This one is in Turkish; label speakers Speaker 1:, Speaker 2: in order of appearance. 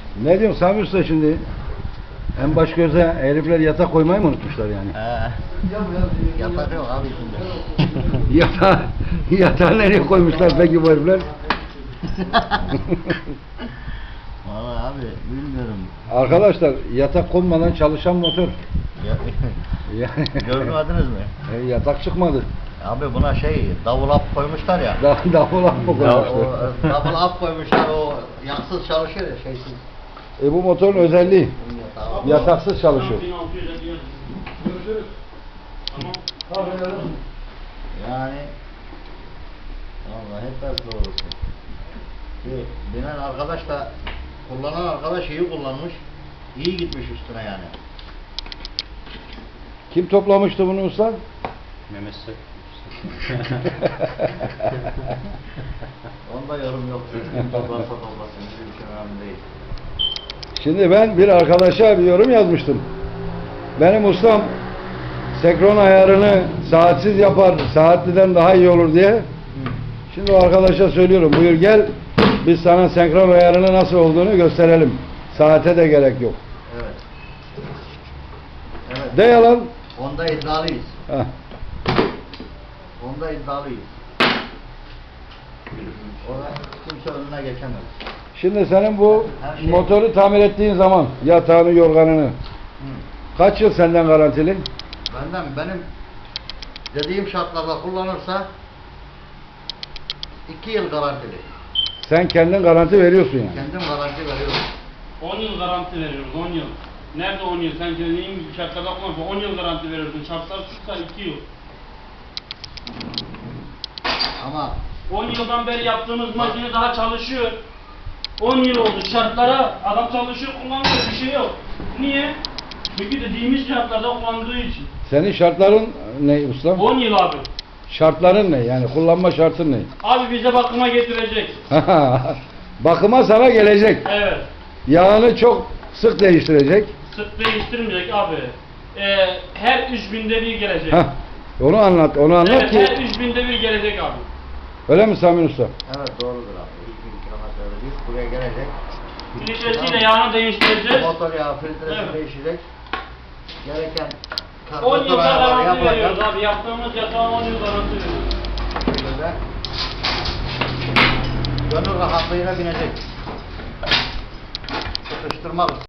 Speaker 1: Ne diyorsun Sami Usta şimdi? En baş göze herifler yatak koymayı mı unutmuşlar yani?
Speaker 2: Yatak yok abi şimdi.
Speaker 1: Yatağı nereye koymuşlar peki bu herifler?
Speaker 2: Vallahi abi bilmiyorum.
Speaker 1: Arkadaşlar yatak konmadan çalışan motor.
Speaker 2: Görmediniz mi?
Speaker 1: Yatak çıkmadı.
Speaker 2: Abi buna davul ap koymuşlar ya.
Speaker 1: Davul mı koymuşlar?
Speaker 2: Davul ap koymuşlar, o yaksız çalışıyor ya, şeysiz.
Speaker 1: Bu motorun özelliği.
Speaker 2: Yatağı.
Speaker 1: Yataksız çalışıyor.
Speaker 3: Görüşürüz. Tamam.
Speaker 2: Yani vallahi hep ders doğrusu. Binen arkadaş da, kullanan arkadaş iyi kullanmış. İyi gitmiş üstüne yani.
Speaker 1: Kim toplamıştı bunu usta?
Speaker 3: Mehmet Sek.
Speaker 2: Onda yorum yok. Kim toplarsa toplasın. Bizim için önemli değil.
Speaker 1: Şimdi ben bir arkadaşa bir yorum yazmıştım. Benim ustam senkron ayarını saatsiz yapar, saatliden daha iyi olur diye. Şimdi o arkadaşa söylüyorum, buyur gel, biz sana senkron ayarını nasıl olduğunu gösterelim. Saate de gerek yok.
Speaker 2: Evet. Evet.
Speaker 1: De yalan.
Speaker 2: Onda iddialıyız.
Speaker 1: Heh.
Speaker 2: Onda iddialıyız. Orada kimse önüne geçemez.
Speaker 1: Şimdi senin bu
Speaker 2: Her şey-
Speaker 1: motoru tamir ettiğin zaman yatağını, yorganını kaç yıl senden garantili?
Speaker 2: Benim dediğim şartlarda kullanırsa 2 yıl garantili.
Speaker 1: Sen kendin garanti veriyorsun yani.
Speaker 2: Kendim garanti veriyorum.
Speaker 3: 10 yıl garanti veriyoruz, 10 yıl. Nerede 10 yıl? Sen dediğin gibi şartlarda kullanırsan 10 yıl garanti veriyorsun. Şartlar tutsa 2 yıl.
Speaker 2: Ama
Speaker 3: 10 yıldan beri yaptığımız makine daha çalışıyor. 10 yıl oldu şartlara, adam çalışıyor, kullanmıyor, bir şey yok. Niye? Çünkü dediğimiz şartlarda kullandığı için.
Speaker 1: Senin şartların ne ustam?
Speaker 3: 10 yıl abi.
Speaker 1: Şartların ne? Yani kullanma şartın ne?
Speaker 3: Abi bize bakıma getirecek.
Speaker 1: Bakıma sana gelecek.
Speaker 3: Evet.
Speaker 1: Yağını çok sık değiştirecek.
Speaker 3: Sık değiştirmeyecek abi. Her 3000'de bir gelecek.
Speaker 1: Heh, onu anlat
Speaker 3: Evet,
Speaker 1: ki.
Speaker 3: her 3000'de bir gelecek abi.
Speaker 1: Öyle mi Sami Usta?
Speaker 2: evet, doğrudur abi. 2000 kilometrede bir buraya gelecek.
Speaker 3: Filtresiyle yağını değiştireceğiz.
Speaker 2: Motor yağı filtresi
Speaker 3: Evet.
Speaker 2: değişecek. Gereken
Speaker 3: 10
Speaker 2: karbüratör
Speaker 3: yılda
Speaker 2: ayarları
Speaker 3: garanti veriyoruz
Speaker 2: yapılacak.
Speaker 3: abi. Yaptığımız yatağa 10 yıl garanti veriyoruz.
Speaker 2: Böyle gönül rahatlığıyla binecek. Sıkıştırmak